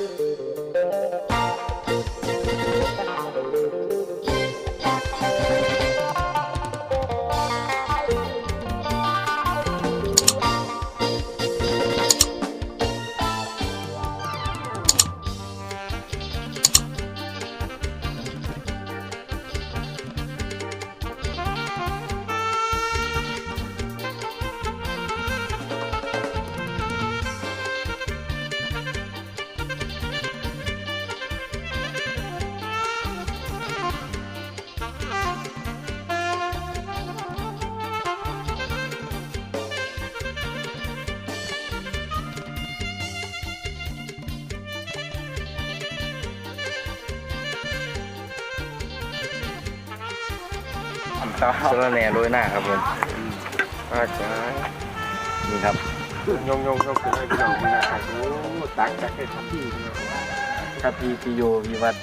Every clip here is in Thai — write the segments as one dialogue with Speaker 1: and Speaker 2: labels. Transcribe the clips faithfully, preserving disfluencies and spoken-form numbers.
Speaker 1: สระแหน่โรยหน้าครับผมอาจารย์นี่ครับยงยงยงขึ้นให้พี่น้องนะครับโอ้ตักจากให้ทัพพี่ทัพพี่พิโยวิวัฒน์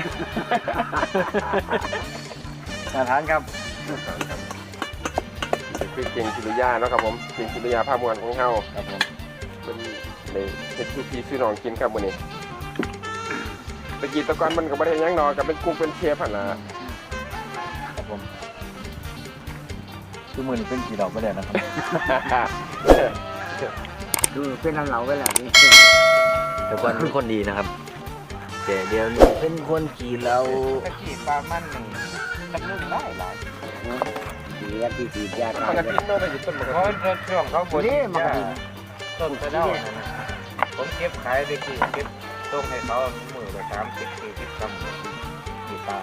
Speaker 1: มาทานครับคือเก่งศิริยาเนาะครับผมเก่งศิริยาภาพมวลของเฮาครับผมเป็นเลยเฮ็ดพี่ซื้อน้องกินครับมื้อนี้ตะกี้ตะกอนมันก็บ่ได้ยังนอกับเป็นกุ๊กเป็นเชฟหั่นล่ะครับผมคือมือนี่เป็นกี่ดอกไปแล้วนะครับ
Speaker 2: ดูเป็นอันเหลาไปแล้วนี่
Speaker 1: แต่ก่อนเป็นคนดีนะครับแต่เดี๋ยวนี้เป็นคนขี่เราตะกี้ปลามันนี่จำนวนหลายหลาย
Speaker 2: ดีแล้วที่สียาตาย
Speaker 1: มันกระทิ้งโน่นไปอยู่ต้นมันเพราะช่วงเขาบนนี่มันกระทิ้งต้นกระเด้าผมเก็บขายไปกี่เก็บต้มให้เขามือละสามสิบสี่สิบกรัมกี่ปลา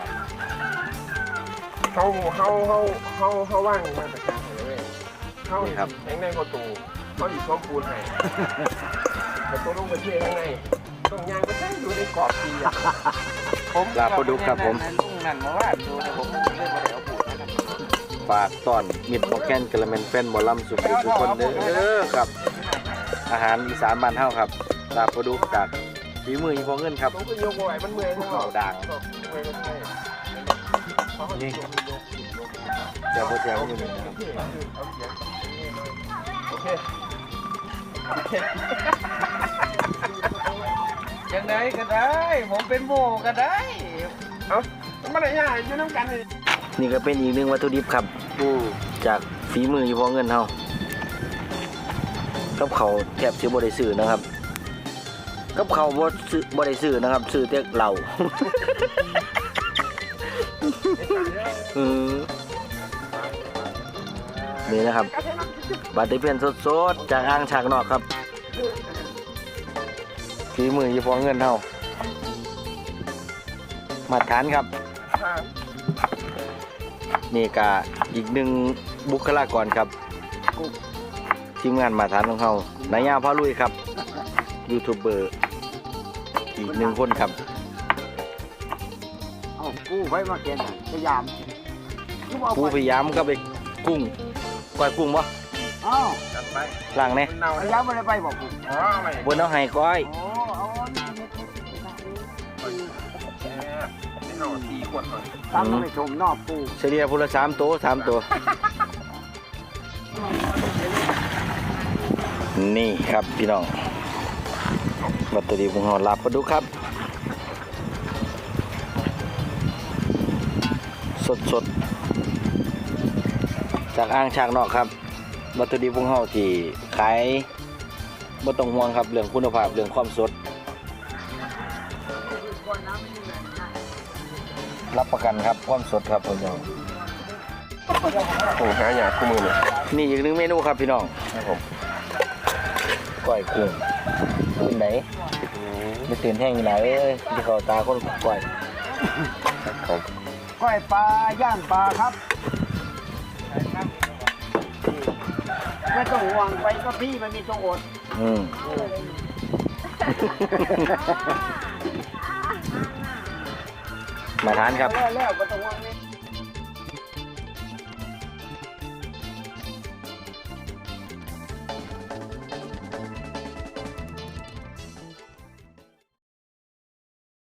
Speaker 1: เขาเขาเขาเขาเขาว่างมาแต่การเลยเขาแข็งในประตูเขาอยู่ช่องปูนให้แต่ตัวลูกประเทศข้างในตรงยางก็ใช้อยู่ในกรอบดีอ่ะผมลาปลาดุกครับผมลุงนั่นมาว่าดูนะผมเล่นมาแล้วปูดนะครับฝากตอนมิดโปรแกนกระเมนแฟนบอลลัมสุขุมทุกคนเด้อครับอาหารอีสานบ้านเฮาครับลาปลาดุกจากฝีมืออีพอเงินครับต้องไปโยกไหวมันเมื่อยเข่าด่างนี่เดี๋ยวโปรแกรมอยู่นี่นะครับโอเคยังไงก็ได้ผมเป็นโมก็ได้เอ้าไม่ได้ยากอยู่น้ำกันเลยนี่ก็เป็นอีกหนึ่งวัตถุดิบครับจากฝีมืออีพอเงินเฮากับเขาแทบจะบ่ได้ซื้อนะครับกับเขาบ่ซื้อบ่ได้ซื้อนะครับซื้อแต่เหล้านี่นะครับบาติเพียนสดๆจากอ่างฉากนอกครับฝีมือยี่ฟองเงินเท่ามาทานครับนี่กะอีกหนึ่งบุคลากรครับทีมงานมาทานของเขานายยาพ่อลุยครับยูทูบเบอร์อีกหนึ่งคนครับ
Speaker 2: เอากู้ไว้มาเกณฑ์พยายาม
Speaker 1: ผู้พยายามก็ไปกุ้งก้อยกุ้งบ่
Speaker 2: อ้าว
Speaker 1: หลังเนี่ย
Speaker 2: พยายามไม่ได้ไปบอกกู
Speaker 1: บนเอาไห้ก้อย
Speaker 2: ตามไปชมนอกปู
Speaker 1: เฉลี่ยพูละสามตัวสามตัวนี่ครับพี่น้องวัตถุดิบของเราลาบปลาดุกครับสดสดจากอ่างฉากนอกครับวัตถุดิบของเราที่ขายบ่ต้องห่วงครับเรื่องคุณภาพเรื่องความสดรับประกันครับความสดครับพี่น้องโอ้หาอยากคู่มือเลยนี่อีกหนึ่งเมนูครับพี่น้องครับผมก้อยกุ้งเป็นไหนไม่ตื่นแห้งอยู่ไหนเอ้ยที่เขาตาคนก้อย
Speaker 2: ก้อยปลาย่างปลาครับไม่ต้องห่วงไปก็พี่มันมีตัวอด
Speaker 1: อืมมาทานครับ
Speaker 2: แล้วก็ต้องห่วงนี่